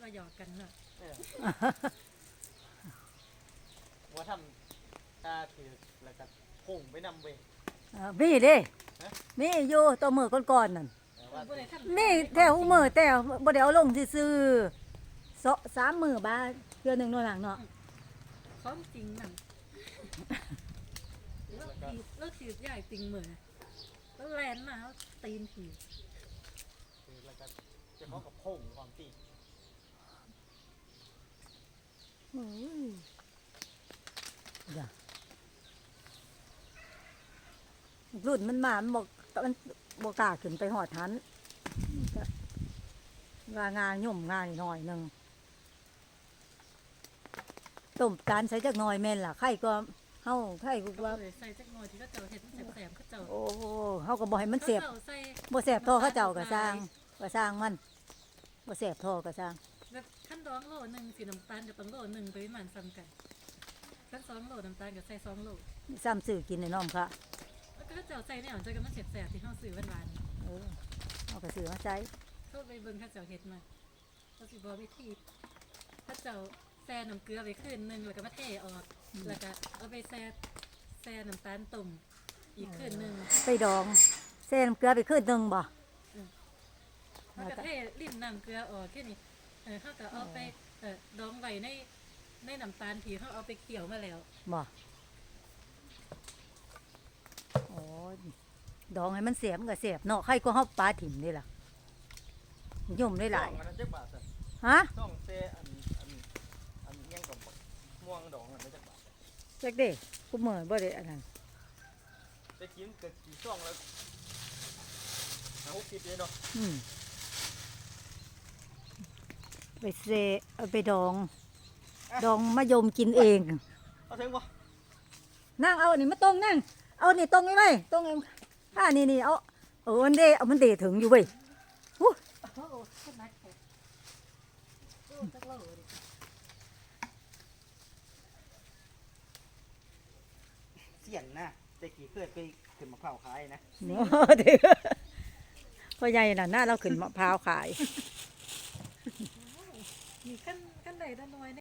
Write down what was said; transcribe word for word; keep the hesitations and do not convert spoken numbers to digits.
ว่าหยอกกันเนาะว่าทำตาถือแล้วก็พุ่งไปนำเวมีเด้มีอยู่ตัวมือก่อนๆนั่นมีแต่หูมือแต่บ่ได้เอาลงซื่อๆสามมือบาทเทื่อนึงเนาะหลังเนาะของจริงนั่นแล้วถีบแล้วถีบใหญ่จริงเหมือนแล้วแลนมาตีนถีบคือแล้วก็จะเข้ากับพุ่งความตีอย่ารุ่นมันมามันบอกมันบอกกล้าขึ้นไปหอดทันงานงานยุ่มงานหน่อยหนึ่งต้มตาลใส่จักหน่อยแม่นล่ะไข่ก็เฮาไข่ก็ว่าใส่จักหน่อยที่เขาเจ้าเห็ดมันแสบๆเขาเจ้าโอ้เฮาก็บ่ให้มันแสบบ่แสบทอเขาเจ้าก็สร้างก็สร้างมันบ่แสบทอก็สร้างแบบขั้นดองโลหนึ่งสีน้ำตาลกับตังโลหนึ่งไปประมาณซ้ำกันขั้นสองโลน้ำตาลกับใส่สองโลซ้ำซื้อกินในน้องค่ะแล้วก็เจ้าใส่เนี่ยเจ้าก็มันแสบๆที่เขาซื้อหวานๆเออเอาก็ซื้อมาใช้เขาไปเบิ่งเขาเจ้าเห็ดมาเขาสิบอกวิธีเขาเจ้าแช่น้ำเกลือไปขึ้นหนึ่งแล้วก็มาเทออกแล้วก็เอาไปแช่แช่น้ำตาลตุ่มอีกขึ้นหนึ่งไปดองแช่น้ำเกลือไปขึ้นหนึ่งบ่แล้วก็เทริมน้ำเกลือออกแค่นี้เออเขาก็เอาไปเออดองไว้ในในน้ำตาลที่เขาเอาไปเกี่ยวมาแล้วบ่โอ้ดองให้มันเสียมก็เสียบเนาะใครก็เฮาปลาถิ่มนี่ล่ะยุ่มได้หลายฮะต้องเซอันอันอันยังกับม่วงดองอันไม่จักบาทจักเด้กูเหมือนบ่ได้อันนั้นจะกินเกิดกี่ช่วงแล้วหาหกสิบเลยเนาะอืมไปเซเอาไปดองดองมะยมกินเองเอาถึงบ่นั่งเอานี่มาตรงนั่งเอานี่ตรงไว้ไหมตรงอ่านี่นี่เอาเออมันเดเอามันเดถึงอยู่เว้ยฮู้เสียนนะแต่กี่เคยไปขึ้นมะพร้าวขายนะเนาะเด้อพ่อใหญ่น่ะหน้าเราขึ้นมะพร้าวขายมีขั้นขั้นใดด้านน้อย